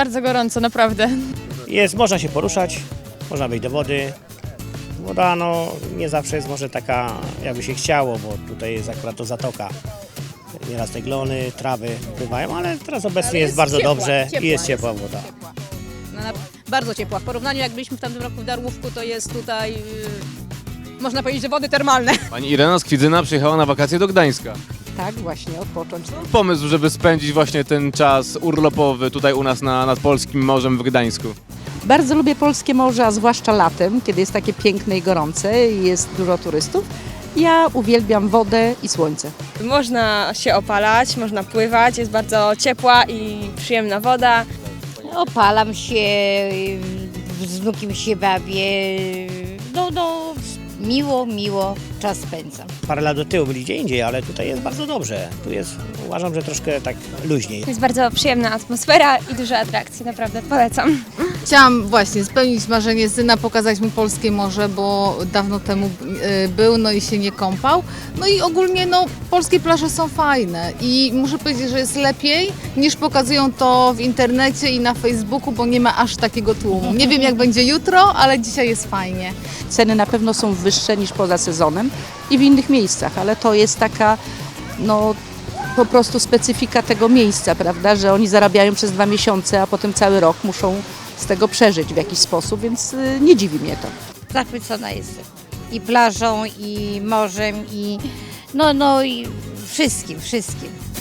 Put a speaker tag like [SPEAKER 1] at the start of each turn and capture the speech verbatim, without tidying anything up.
[SPEAKER 1] bardzo gorąco, naprawdę.
[SPEAKER 2] Jest, można się poruszać, można wejść do wody. Woda no, nie zawsze jest może taka, jakby się chciało, bo tutaj jest akurat to zatoka. Nieraz te glony, trawy pływają, ale teraz obecnie
[SPEAKER 3] Ale
[SPEAKER 2] jest,
[SPEAKER 3] jest
[SPEAKER 2] bardzo
[SPEAKER 3] ciepła,
[SPEAKER 2] dobrze
[SPEAKER 3] ciepła
[SPEAKER 2] i jest
[SPEAKER 3] jest.
[SPEAKER 2] ciepła woda.
[SPEAKER 3] No, na- bardzo ciepła. W porównaniu jak byliśmy w tamtym roku w Darłówku, to jest tutaj, yy, można powiedzieć, że wody termalne.
[SPEAKER 4] Pani Irena z Kwidzyna przyjechała na wakacje do Gdańska.
[SPEAKER 5] Tak, właśnie, odpocząć.
[SPEAKER 4] Pomysł, żeby spędzić właśnie ten czas urlopowy tutaj u nas na, nad Polskim Morzem w Gdańsku.
[SPEAKER 5] Bardzo lubię polskie morze, a zwłaszcza latem, kiedy jest takie piękne i gorące i jest dużo turystów. Ja uwielbiam wodę i słońce.
[SPEAKER 1] Można się opalać, można pływać, jest bardzo ciepła i przyjemna woda.
[SPEAKER 6] Opalam się, z wnukiem się bawię, no, no, miło, miło czas spędzam.
[SPEAKER 2] Parę lat do tyłu byli gdzie indziej, ale tutaj jest bardzo dobrze. Tu jest, uważam, że troszkę tak luźniej.
[SPEAKER 1] Jest bardzo przyjemna atmosfera i dużo atrakcji, naprawdę polecam.
[SPEAKER 7] Chciałam właśnie spełnić marzenie syna, pokazać mu polskie morze, bo dawno temu y, był, no i się nie kąpał. No i ogólnie no, polskie plaże są fajne i muszę powiedzieć, że jest lepiej niż pokazują to w internecie i na Facebooku, bo nie ma aż takiego tłumu. Nie wiem jak będzie jutro, ale dzisiaj jest fajnie.
[SPEAKER 5] Ceny na pewno są wyższe niż poza sezonem i w innych miejscach, ale to jest taka, no po prostu specyfika tego miejsca, prawda, że oni zarabiają przez dwa miesiące, a potem cały rok muszą z tego przeżyć w jakiś sposób, więc y, nie dziwi mnie to.
[SPEAKER 6] Zachwycona jestem i plażą, i morzem, i no, no i wszystkim, wszystkim.